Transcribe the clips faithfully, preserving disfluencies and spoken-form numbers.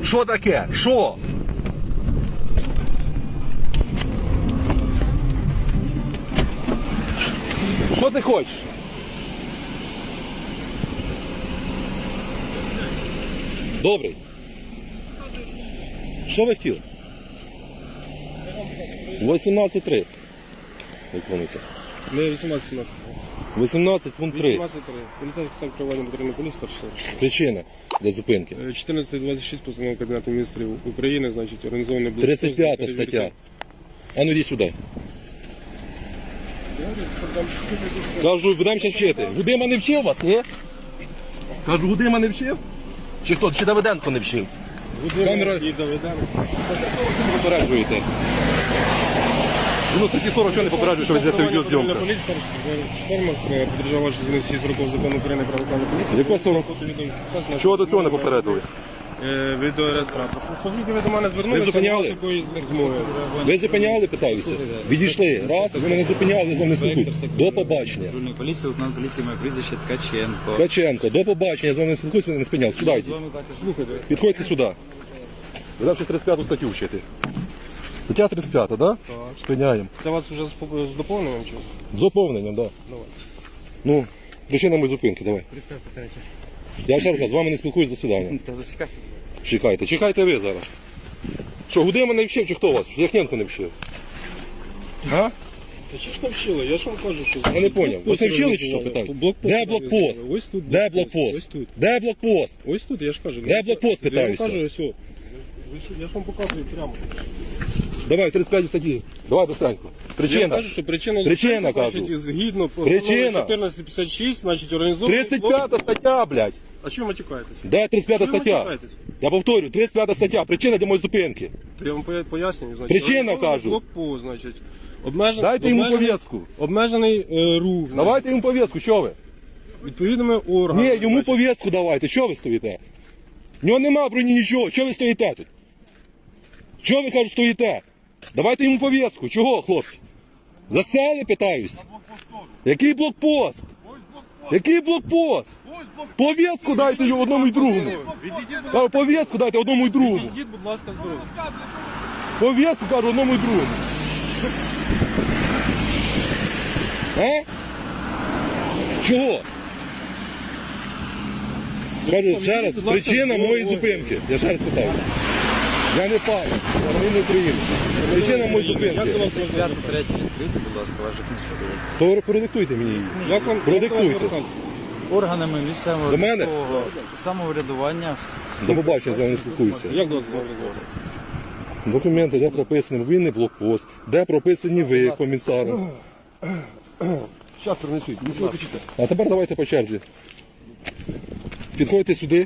Що таке? Що? Що ти хочеш? Добрий. Що ви хотіли? вісімнадцять три. Виконуйте. Не вісімнадцять сімнадцять. вісімнадцять пункт три. вісімнадцять три. Поліцейський стан керування патрульної поліції перший. Причина для зупинки. чотирнадцять двадцять шість постанова Кабінету міністрів України, значить, організований блокпост. тридцять п'ята стаття. А ну йди сюди. Кажу, будемо зараз вчити. Гудима не вчив вас, ні? Кажу, Гудима не вчив? Чи хто? Чи Давиденко не вчив? Камера... І доведемо. Ви попереджуєте. Ну, такі сорок, що не попереджує, що ведеться відеозйомка. Поліція перший штормах подержав вашу зіну шість років закону України про національну поліцію. Якого сорок? Чого до цього не попередили? Відеореєстратор. Оскільки ви до мене звернулися, Ви зупиняли? такої розмови. Ви зупиняли, питаюся? Відійшли. Раз, ви мене зупиняли, з вами спілкуюсь. До побачення. Патрульної поліції, лейтенант поліції, моє прізвище Ткаченко. Ткаченко, до побачення, з вами не спілкуюсь, мене не спиняв. Сюди З йдіть. вами так і Слухайте, Підходьте сюди. Ви ще тридцять п'яту статтю вчити. Стаття тридцять п'ята, так? Да? Спиняємо. це вас вже з поп- з доповненням чи? З доповненням, так. Да. Давай. Ну, причина моєї зупинки, давай. тридцять п'ять питаєте. Я ще раз кажу, з вами не спілкуюсь до свидання. Та зачекайте. Чекайте, чекайте ви зараз. Що, Гудима не вчив, чи хто вас? Яхненко не вчив? А? Та чи ж не вчили? Я ж вам кажу, що... Я не поняв. Ви не вчили, чи що, питаю? Де блокпост? Ось тут. Де Ось блокпост? тут. Де блокпост? Ось тут, я ж кажу. Де блокпост, питаюся? Я вам кажу, ось. о. Я ж вам показую прямо. Давай, тридцять п'ять статті. Давай быстренько. Я Причина. кажу, що причина, Причина, зупинки, кажу. значить, згідно Причина. постанови чотирнадцять п'ятдесят шість, значить, організований... тридцять п'ята стаття, блядь. А чому ви матюкаєтесь? Де тридцять п'ята Чого ви стаття? матюкаєтесь? Я повторю, тридцять п'ята стаття. Причина для моєї зупинки. То я вам поя- пояснюю, значить. Причина, організований кажу. блокпост, значить. Обмежен... Дайте йому обмежений- повістку. Обмежений е, рух. значить, Давайте йому повістку, що ви? Відповідними органами. Ні, йому значить. повістку давайте. Що ви стоїте? В нього нема броні нічого. Чого ви стоїте тут? Чого ви, кажу, стоїте? Давайте йому повістку. Чого, хлопці? Засели, питаюсь. Який блокпост? Який блокпост? Повістку дайте йому одному і другому. Відійдіть, будь- Кажу, повістку дайте одному і другому. відійдіть, будь ласка, з дороги. Повістку, кажу, одному і другому. А? Чого? Кажу, ще раз, причина моєї зупинки. Я ще раз питаю. Я не пан, я громадянин України. Причина моєї зупинки. тридцять п'яту третю відкрити, будь ласка, ваша книжка. То продиктуйте мені її. Як вам Продиктуйте. як вам звертатися? Органами місцевого До мене? військового самоврядування. До побачення, з вами не спілкуюся. Як до вас можна звертатися? Документи, де прописаний мобільний блокпост, де прописані ви, комісаром. Зараз принесуть, нічого почитати. А тепер давайте по черзі. Підходьте сюди.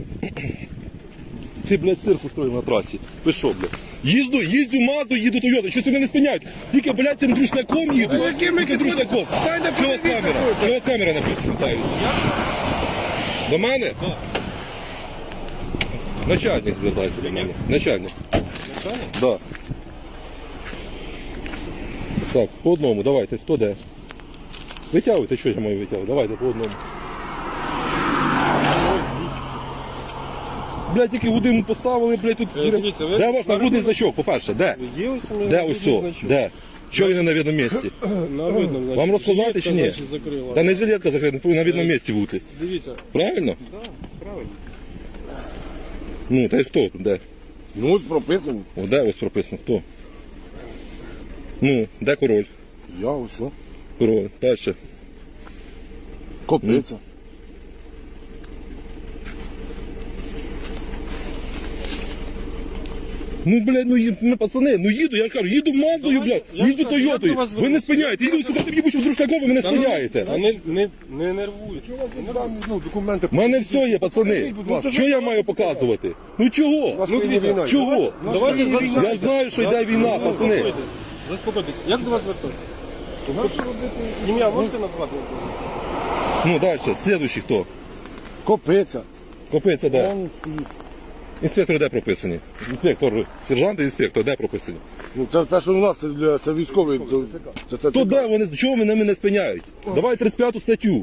Ці, блядь, цирк устроїв на трасі. Ви що, блядь? Їзду, їздю Мазду, їду Тойоту. Щось вони не спиняють. Тільки, блядь, цим друшняком їду. Тільки друшняком. Чого вас камера? Чого вас камера написана? Питаюся. До мене? Начальник звертається до мене. Начальник. Начальник? Да. Так, по одному, давайте. Хто де? Витягуйте, що я маю витягувати? Давайте по одному. Блядь, тільки годину поставили, блядь, тут. Е, дивіться, ви- Де ваш нагрудний значок, по-перше, де? Є ось у мене Де ось цо? значок. Де? Що він не на видному місці? На видному, значить. Вам розказати жилетка, чи ні? значить, закрила. Та не жилетка закрита, повинна на видному місці бути. Дивіться. Правильно? Так, правильно. Ну, та й хто? Де? Ну, ось прописано. О, де ось прописано? Хто? Ну, де король? Я ось. Король. Дальше. Копиця. Ну, блядь, ну, ї- ну, пацани, ну їду, я кажу, їду Маздою, блядь, я їду ж кажу, як Тойотою. до вас Ви не звернутися? спиняєте, їду, сука, тобі бучу друшняком, ви мене спиняєте. Та не, не, не нервуйте. Ну, документи. У мене все є, пацани. Що я маю показувати? Ну чого? Ну, дивіться, Чого? давайте Я знаю, що йде війна, пацани. Заспокойтесь. Заспокойтесь. Як до вас звертатися? Ім'я можете назвати? Ну, далі, слідуючий хто? Копиця. Копиця, де? Там стоїть. Інспектор де прописані? Інспектор, сержант і інспектор де прописані? Ну, це те, що у нас, це, для, це військовий. Це, це, це, То де вони, чого вони мене спиняють? Давай тридцять п'яту статтю.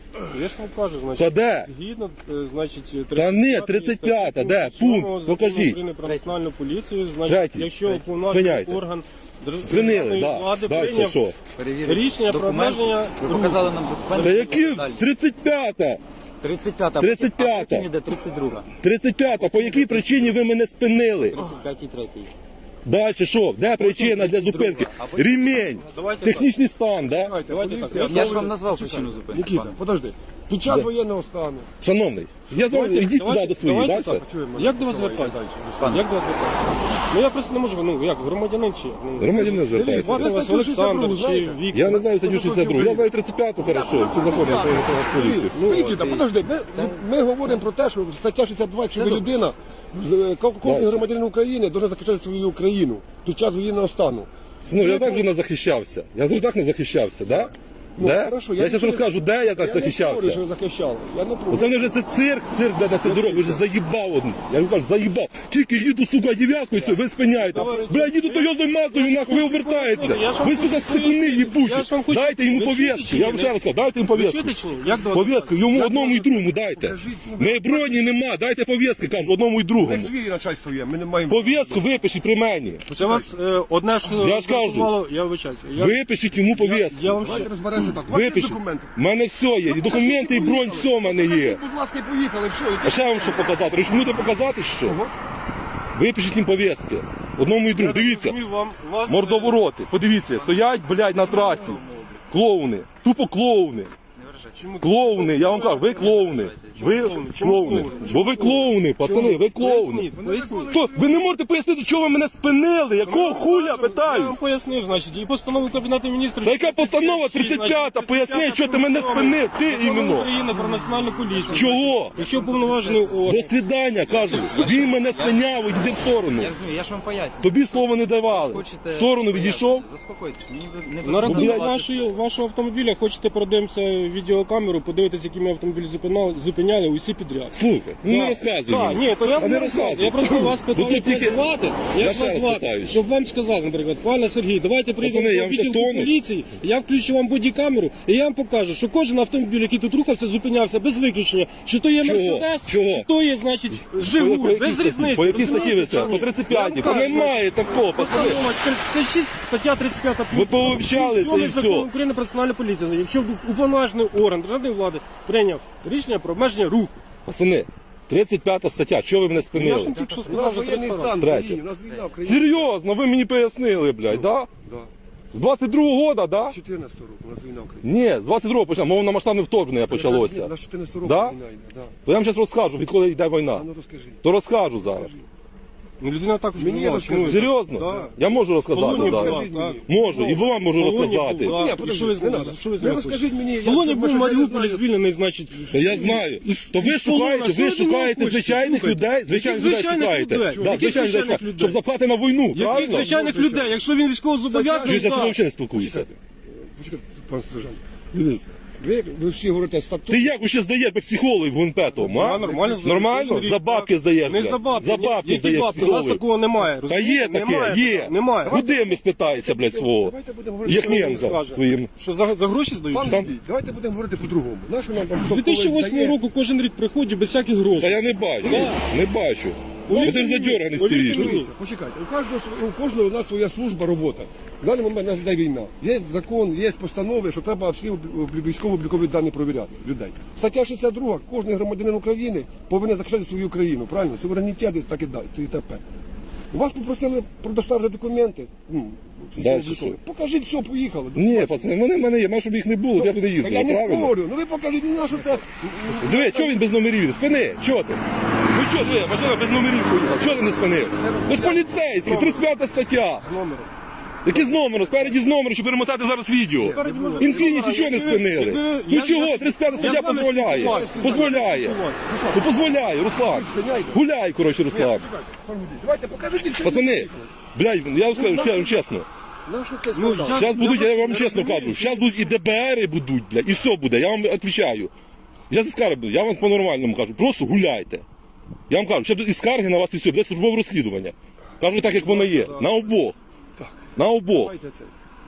Я ж вам кажу, значить, Та де? згідно, е, значить, Та ні, тридцять п'ята, де? Пункт, покажіть. України про національну поліцію, значить, Третій. якщо уповноважений Спиняйте. орган Спинили, державної да. влади Далі прийняв що? Перевірити рішення про документ. обмеження Ви руху. показали нам документи. Та які? Далі. тридцять п'ята. тридцять п'ята. тридцять п'ята. А потім іде тридцять друга. тридцять п'ята. По якій причині ви мене спинили? тридцять п'ятій третій. Далі що? Де причина для зупинки? Ремінь. Давайте Технічний стан, да? Давайте, Давайте поліція, так, Я ж вам назвав причину зупинки. Нікіта, пане. подожди. Під час Де? воєнного стану. Шановний, я з вами, йдіть туди до своїх, давайте далі. так, як до вас звертатися? Пане. Як до вас звертатися? Ну я просто не можу, ну як, громадянин чи? Ну, Громадянин звертається. звати вас Ви статтю Олександр шістдесят другу чи знаєте? Віктор. Я не знаю статтю шістдесят два, я знаю тридцять п'яту, хорошо, всі закони, я прийняв в поліцію. Ну, Нікіта, подожди, ми, ми говоримо про те, що стаття шістдесят два, якщо ви людина, з- ко- кожен Дальше. громадянин України має захищати свою Україну під час воєнного стану. Ну, я так вже не захищався. Я завжди так не захищався, да? Ну, Де? хорошо, я я зараз нічого- розкажу, де я так Я не спорю, захищався. що ви захищали. Я не проти. Оце вони вже це цирк, цирк, блядь, на цю дорогу, ви вже заїбав один. Я вам кажу, заїбав. Тільки їду, сука, дев'яткою, це, ви спиняєте. Блядь, їду Тойотою Маздою, нахуй, ви обертаєте. Я ж вам Ви, хочу сука, цикуни пояснити. їбучі. Я ж вам хочу- Дайте йому Ви чуєте повістку. чи Я ні? вам ще раз кажу, дайте йому Ви повістку. чуєте чи ні? Як до вас Повістку, йому Як одному до і вас- другому дайте. Покажіть, ну, Не броні нема, дайте повістки, кажу, одному і другому. Як свій начальство є, ми не маємо. Повістку випишіть при мені. Це вас е, одне ж Я ж кажу. мало, я вибачаюся. Я, Випишіть йому я, повістку. я вам ще Давайте розберемося так. У вас є Випишіть. документи? У мене все є, і документи, і бронь, все в мене є. Покажіть, будь ласка, і поїхали, все. А ще вам що показати? Рішмуте показати, що? Випишіть їм повістки. Одному і другому. Дивіться, розумію, вам, вас, мордовороти. Подивіться, стоять, блядь, на трасі. Клоуни. Тупо клоуни. Чому- Клоуни, я вам кажу, ви клоуни. Ви клоуни? Чому клоуни. клоуни? Бо ви клоуни, пацани, ви клоуни. Поясніть, поясніть. Хто? Ви не можете пояснити, чого ви мене спинили? Якого хуя, Я питаю? вам пояснив, значить, і постанову Кабінету міністрів. Та яка постанова тридцять п'ята? Поясни, що ти мене спинив, ти Закон іменно. України про національну поліцію. Чого? Якщо повноважений До орган. свидання, кажу. Він мене спиняв, іди в сторону. Я розумію, я ж вам поясню. Тобі слова не давали. Хочете... В сторону відійшов. Заспокойтесь, мені ви- не На рахунок блядь. вашої, вашого автомобіля хочете продивимося відеокамеру, подивитися, який ми автомобіль зупиняли, зупиняли усі підряд. Слухай, ну не Так. розказуй. Так, мені. ні, то я А вам не не розказую. розказуй. Я просто вас Бо питаю, тут тільки- як звати, Я як ще вас раз звати, питаюсь. щоб вам сказали, наприклад, пане Сергій, давайте прийдемо Пацани, я до вам щас відділку тону. поліції, я включу вам бодікамеру, і я вам покажу, що кожен автомобіль, який тут рухався, зупинявся без виключення, що то є Чого? Мерседес, Чого? що то є, значить, По Жигуль, якій без статті? різниці. По якій статті ви розумієте, це? чи По ні? тридцять Я п'ятій. вам Та кажу, немає такого, пацани. Постанова чотирнадцять шість, стаття тридцять п'ята. Ви пообщалися і Закону все. України про національну поліцію. Якщо уповноважений орган державної влади прийняв рішення про обмеження руху. Пацани, тридцять п'ята стаття, чого ви мене Я ж спинили? вам тільки що У нас сказав, що воєнний триста стан в Третє. країні, у нас війна в країні. Серйозно, ви мені пояснили, блядь, да? Да. З двадцять другого года, да? З чотирнадцятого року у нас війна в країні. Ні, з двадцять другого почав, мовно масштабне вторгнення почалося. На чотирнадцятого року Да? війна йде, да. То я вам зараз розкажу, відколи йде війна. А ну розкажи. То розкажу зараз. Ну, людина також Мені була, розкажи. чому ви- Серйозно? Да. Я можу розказати Полоні зараз. була, Скажіть так. мені. Можу, і вам можу Полоні розказати. була. Ні, І подожди, що ви з не ним- надо. що ви з Ви ним розкажіть мені, я- Полоні я- був я не Маріуполь знаю. звільнений, значить. Та я знаю. Із- То ви із полону. шукаєте, Що ви ви від нього шукаєте хочете? звичайних Слухайте, людей, звичайних яких людей звичайних шукаєте. людей? Да, Яких звичайних людей, звичайних людей? щоб заплати на війну, Яких правильно? звичайних людей? Якщо він військово Чуєш, зобов'язаний, я з тобою так. взагалі не спілкуюся. Почекайте. Почекайте, пан сержант. Дивіться, ви, ви всі говорите статут. Ти як ще здаєш як психолог в ГУНП-тому, а? Я нормально здаю. Нормально? Кожен рік, За бабки так. здаєш, Не блядь. за бабки. За Ні, бабки які здаєш бабки? У нас психолог. такого немає. Та розумієте? є таке, Немає є. такого, Немає. Куди ми спитається, блядь, свого? Давайте будемо говорити. Що він Яхненка скаже? своїм. Що за, за гроші здають? Пан Там- Андрій, давайте будемо говорити по-другому. Нащо нам там З хто дві тисячі когось восьмого здає? року кожен рік приходить без всяких грошей. Та я не бачу, не бачу. Бо Повірте ти ж мені, задерганий повірте стоїш. мені. Дивіться, почекайте. У кожного, у кожного у нас своя служба, робота. В даний момент у нас йде війна. Є закон, є постанови, що треба всі військово-облікові дані провіряти людей. Стаття шістдесят два. Кожен громадянин України повинен захищати свою країну. Правильно? Суверенітет і так і далі. І т.п. У вас попросили предоставити документи. Ну, Дальше військово-облікові. що? Покажіть все, поїхали. Ні, пацани, вони в мене є, має, щоб їх не було, я б не Та їздив, я не правильно? спорю. Ну ви покажіть, ну на що це. Диви, чого він без номерів їде? Спини, чого ти? Ну чого ти, машина без номерів поїхав, чого ти не спинив? Ну ж поліцейський, тридцять п'ята стаття. З номером. Які з номером? Спереді з номером, щоб перемотати зараз відео. може, Інфініті чого не якби- спинили? якби- Ну я- чого? я- тридцять п'ята я стаття з вами дозволяє. спілкувався. Дозволяє. Ну дозволяє, Руслан. Гуляй, коротше, Руслан. Давайте покажіть, що Пацани, блядь, я вам скажу скажу чесно. на що це Ну, скандал? я- Зараз будуть, я вам не чесно розумію, кажу, що- зараз будуть і ДБРи будуть, блядь, і все буде, я вам відповідаю. Я за скарги буду, я вам по-нормальному кажу, просто гуляйте. Я вам кажу, ще буде і скарги на вас і все, буде службове розслідування. Кажу так, як воно є. На обох. Так. На обох. Давайте це.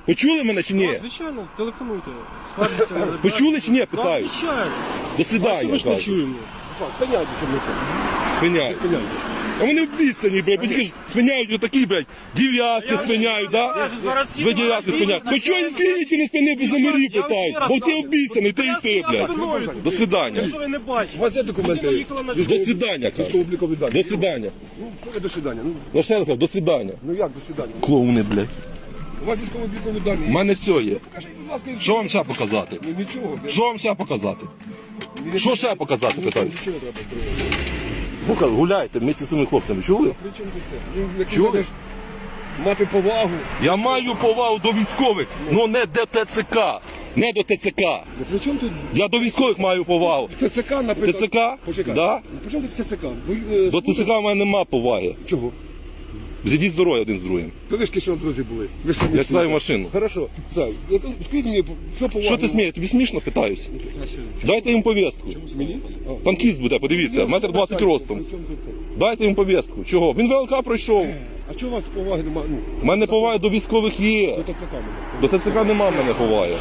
Почули мене чи ні? Так, звичайно, телефонуйте. Скажіться. Почули чи ні? Так, Питаю. звичайно. До Бачите, свидання. ми ж не кажу. чуємо. Спиняйте, щоб не це. Спиняють. Спиняйте. А вони обіцяні, блядь, бо тільки ж спиняють отакі, блядь, дев'ятки спиняють, да? Ви дев'ятки спиняють. Ну чого інфініті не спинив без номерів, питають? Бо ти обіцяний, ти і ти, блядь. До свидання. Якщо ви не бачите. У вас є документи? Людина їхала на До свидання, кажу. Військово-облікові дані. До свидання. Ну, що ви до свидання? Ну, Ну ще раз кажу, до свидання. ну як до свидання? Клоуни, блядь. У вас військово-облікові дані. У мене все є. Покажіть, будь ласка, і Що вам ще показати? Ну, нічого. Що вам ще показати? Що ще показати, питаю? Нічого не треба строїти. Ну-ка, гуляйте вместе з цими хлопцями, чули? При чому тут це? Ну, якщо Чули? будеш мати повагу, Я маю повагу до військових, але не до ТЦК. Не до ТЦК. ну, при чому тут Я до військових маю повагу. ТЦК, наприклад? ТЦК? Почекай. Да. При чому тут ТЦК? Ви, е, До слухайте- ТЦК в мене нема поваги. Чого? Зійдіть з дороги один з другим. То ви ж кишені друзі були. Ви ж самі Я всі. сідаю в машину. Хорошо. Це, яку- скажіть мені, що повагу? Що ти смієш? Тобі смішно, питаюсь? Дайте їм повістку. Мені? А. Танкіст буде, подивіться, метр двадцять ростом. При чому тут це? Дайте їм повістку. Чого? Він ВЛК пройшов. А чого у вас поваги немає? Ну, У мене повага до військових є. до ТЦК немає. До ТЦК нема в мене поваги.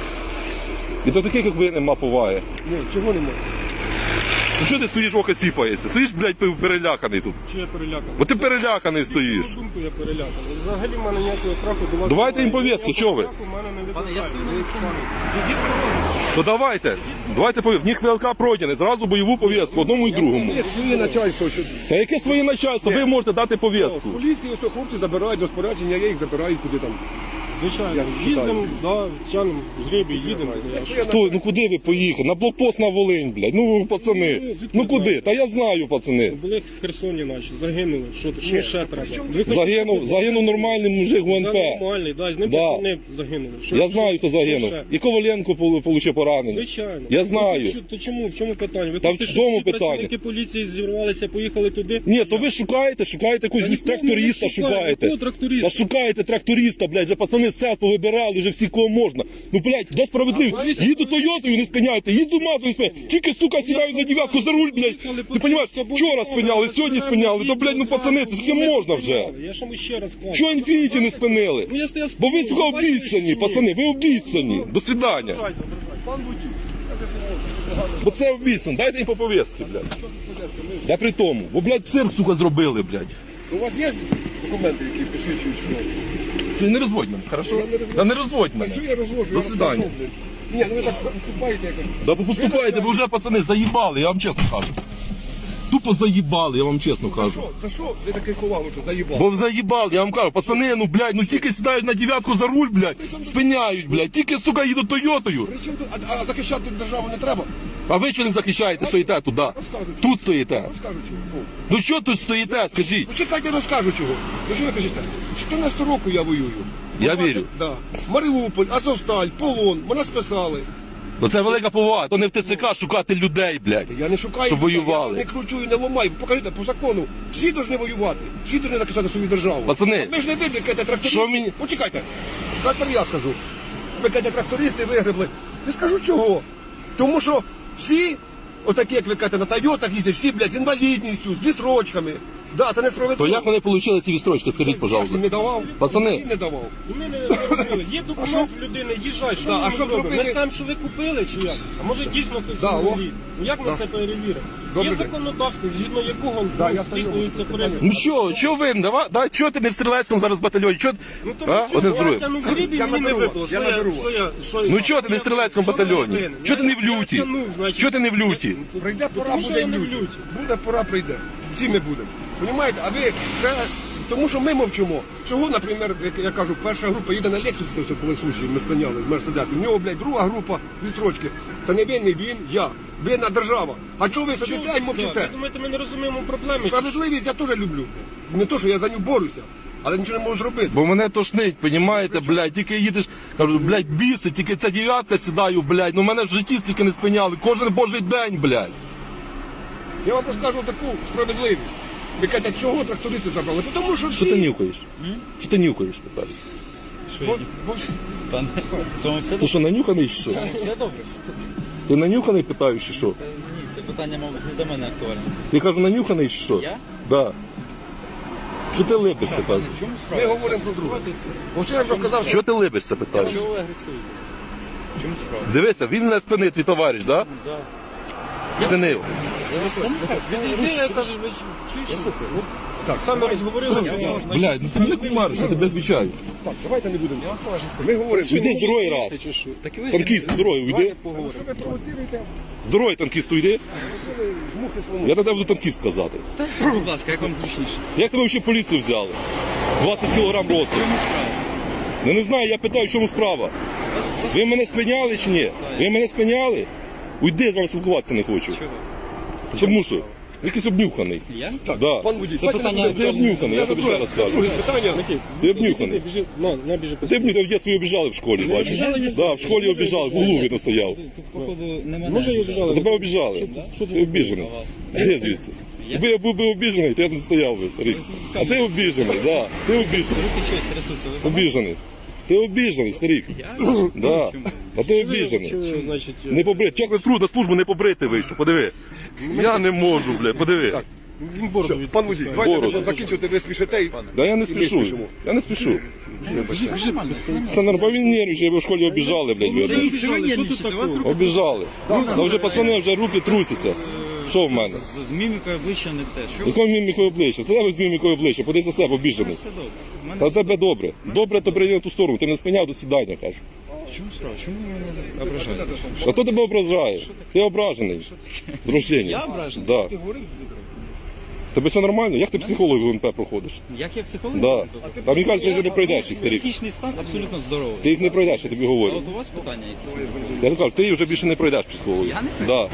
І до таких, як ви, нема поваги. Ні, чого немає? Ну що ти стоїш, око сіпається? Стоїш, блядь, переляканий тут. Чи я переляканий? Бо ти переляканий стоїш. На думку я переляканий. Взагалі в мене ніякого страху до вас. Давайте їм немає. повістку, Ніякого чого ви? страху в мене не Пане, я викликає. стою на військовому. Зійдіть з дороги. То давайте, давайте повістку. В них ВЛК пройдений, зразу бойову повістку, одному і другому. Ні, своє начальство. Що... Та яке своє начальство? Ви можете дати З повістку. поліції ось хлопці забирають до спорядження, я їх забираю куди там. Звичайно. Я Їздимо, да, тянемо жребій, їдемо. Якщо я Хто, ну куди ви поїхали? На блокпост на Волинь, блядь. Ну, пацани. Ну куди? Та я знаю, пацани. Були в Херсоні наші, загинули. Що, що ще треба? чому Ви Загинув, загинув нормальний мужик в Це УНП. нормальний, да, з ним Да. пацани загинули. Що- Я знаю, хто що загинув. ще? І Коваленко полу- получив поранення. Звичайно. Я Ну, знаю. то, то чому? В чому питання? Ви Та в хочете, чому щоб всі питання? працівники поліції зірвалися, поїхали туди? Ні, то ви шукаєте, шукаєте якогось Та ніхто не тракториста, шукає. шукаєте. Якого тракториста? Та шукаєте тракториста, блядь, вже пацани з сел повибирали, вже всі кого можна. Ну, блядь, де справедливість? Їду Тойотою, не спиняйте, їду Мазою, не спиняйте. Тільки, сука, сідають за дев'ятку за руль, блядь. Ти розумієш, вчора спиняли, сьогодні спиняли. То, блядь, ну, пацани, це скільки можна вже? Я ж вам ще раз кажу. Чого інфініті не спинили? Ну, я стояв Бо ви, спокійно, сука, бачите, обіцяні, чи ні? пацани, ви обіцяні. До свидання. Пан водій. Бо це обіцяно, дайте їм по повістки, блядь. Да при тому, бо, блядь, цирк, сука, зробили, блядь. У вас є документи, які посвідчують, що? Це не розводь мене, хорошо? Я не розводжу. Да не розводь Та мене. що я розвожу? До Я свидання. розводжу. Ні, ну ви так поступаєте якось. Да ви поступаєте, ви вже, пацани, заїбали, я вам чесно кажу. Тупо заїбали, я вам чесно кажу. Що? За що ви таке слова що заїбав? Бо заїбали, я вам кажу, пацани, ну, блядь, ну тільки сідають на дев'ятку за руль, блядь, спиняють, блядь, тільки, сука, їдуть Тойотою. При чому тут? А, а захищати державу не треба? А ви що не захищаєте, стоїте туди? Тут стоїте. Розкажу чого. Ну що тут стоїте, скажіть? Ну чекайте, розкажу чого. Ну що ви кажете? чотирнадцятого року я воюю. Я двадцять вірю. Да. Маріуполь, Азовсталь, Полон, мене списали. Ну це велика повага, то не в ТЦК шукати людей, блядь. Я не шукаю, Щоб людей, воювали. я не кручу і не ламаю. Покажіть, по закону, всі повинні воювати, всі повинні захищати свою державу. Пацани, Ми ж не викликаєте трактористи. що мені- Почекайте, тепер я скажу. Ви кажете, трактористи вигребли. Не скажу чого. Тому що всі, отакі, як ви кажете, на Тойотах їздять, всі, блядь, з інвалідністю, з відсрочками. Да, це несправедливо. то як вони отримали ці відстрочки, скажіть, Я ж пожалуйста. їм не давав. Пацани. Їм не давав. І ми не зробили. Є документ в людини, їжджай, що Да, ми а йому що зробимо? Ми зробили? скажемо, що ви купили чи як? А може дійсно хтось Да, о. інвалід? Ну як ми Да. це перевіримо? Добрий Є день. законодавство, згідно якого Да, ну, я стою. здійснюється перевірка. Ну що, що ви, давай, давай, чого ти не в стрілецькому зараз батальйоні? Чого, Ну тому а? що Один з я другим. тягнув грібі, Я мені не наберу випало. вас, Що я я, наберу що я, що я- Ну чого ти не в я- стрілецькому що я батальйоні? винен? Чого ти не в Я- я люті? тягнув, значить. Чого ти не в люті? Прийде пора, Тому що буде я не в люті. люті. Буде пора, прийде. Всі ми будемо. Понімаєте? А ви це тому, що ми мовчимо. Чого, наприклад, як я кажу, перша група їде на Лексусі, це були случаї, ми спиняли в Мерседесі. В нього, блядь, друга група відстрочки. Це не він, не він, я. Винна держава. А чого ви сидите і Так, мовчите? ви думаєте, ми не розуміємо проблеми? Справедливість я теж люблю. Не то, що я за нього борюся, але нічого не можу зробити. Бо мене тошнить, понімаєте, блядь, тільки їдеш, кажу, блядь, біси, тільки ця дев'ятка сідаю, блядь, ну мене в житті стільки не спиняли, кожен божий день, блядь. Я вам розкажу таку справедливість. Ви кажете, чого трактористи забрали? Тому що всі... Що ти нюхаєш? Що ти нюхаєш, питаю? Бо- бо всі- Пане, з вами все Ти добре? що, нанюханий чи що? Все добре? Ти нанюханий, питаю, чи що? Та ні, це питання, мабуть, не до мене актуальне. Ти кажу, нанюханий чи що? Я? Да. Що ти либишся, кажу? Ми говоримо про друге. Ось я вже казав, що Що ти либишся, питаю? Чого ви агресивні? В чому справа? Дивися, він не спинить, твій товариш, так? Да? Спинив. Відійди, я кажу, ви чуєш? Так, саме розговорилися. Блядь, ну ти мене кумариш, я тебе відвічаю. так, давайте не будемо. Ми говоримо, що Уйди з дороги раз. Так і ви Танкіст, з дороги уйди. поговоримо. ви провоціруєте, З дороги танкіст уйди. просили жмухи свому. Я на тебе буду танкіст казати. Будь ласка, як вам зручніше? Як тебе ще поліцію взяли? двадцять кілограм росту. В чому справа? Я не знаю, я питаю, в чому справа. Вас, вас... Ви мене спиняли чи ні? Ви мене спиняли? Уйди, з вами спілкуватися не хочу. Чого? Тому що? Ви якийсь обнюханий. Я? Так, Да. пан водій, Це давайте не питання- будемо. Ти обнюханий, я тобі ще раз кажу. Друге питання. Ти обнюханий. Біжи, на, на, біжи. Ти б в дитинстві обіжали в школі, бачиш? обіжали, Да, в школі обіжали, в углу видно стояв. Тут, походу, не мене. Може, і обіжали. А тебе обіжали. Що ти Ти обіжений. Де звідси? Якби я був би обіжений, то я тут стояв би, старий. А ти обіжений, да. Ти обіжений. Руки щось трясуться. Ви знаєте? Обіжений. Ти обіжений, старик. Да. А ти обіжений. Що ви, значить, Не побрити. Як ви труд на службу не побрити вийшов, подиви. Я не можу, бля, подиви. він бороду Все, від... пан водій, давайте не Бороду. будемо закінчувати, ви спішите. і- Да я не і ми спішу. спішимо. Я не спішу. Все нормально, все нормально. Все нормально, він нервничає, бо в школі обіжали, блядь, видно. Ні, це ви нервничаєте, у вас руки Обіжали. Ну вже пацани, вже руки трусяться. Що в мене? з мімікою обличчя не те. Що ви? Якою мімікою обличчя? Ти тебе з мімікою обличчя, подивись за себе, обіжений. Все добре. У мене Та в все тебе добре. Добре, то прийди на ту сторону. Ти не спиняв, до свидання, кажу. В чому справа? Чому ви мене ображаєте? А хто тебе ображає? Ти ображений. З рождення. Я ображений? Да. Ти говорив? Тебе все нормально? Як ти психолог в МП проходиш? Як я психолог? Да. Там мені кажуть, що ти вже не пройдеш їх, старик. Психічний стан абсолютно здоровий. Ти їх не пройдеш, я тобі А говорю. от у вас питання якісь? Я тобі кажу, ти їх вже більше не пройдеш психологію. Я не Да.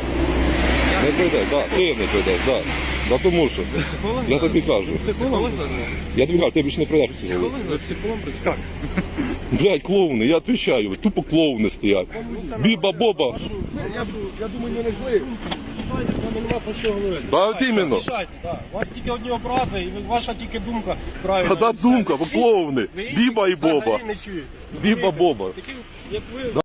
Не пройдеш, да. Ти не пройдеш, да. Да тому що. Психолог Я зараз? тобі кажу. Психолог зараз? Я тобі кажу, ти більше не пройдеш психологію. Психолог зараз? Так. Блядь, клоуни, я відповідаю, тупо клоуни стоять. Біба-боба. Я, я думаю, ми не зли. Нема про що говорити. Да, от іменно. Рішайте, да. У вас тільки одні образи, і ваша тільки думка правильна. Та да, думка, бо клоуни. Ви їх Біба і взагалі боба. не чуєте. Біба-боба. Такі, як ви,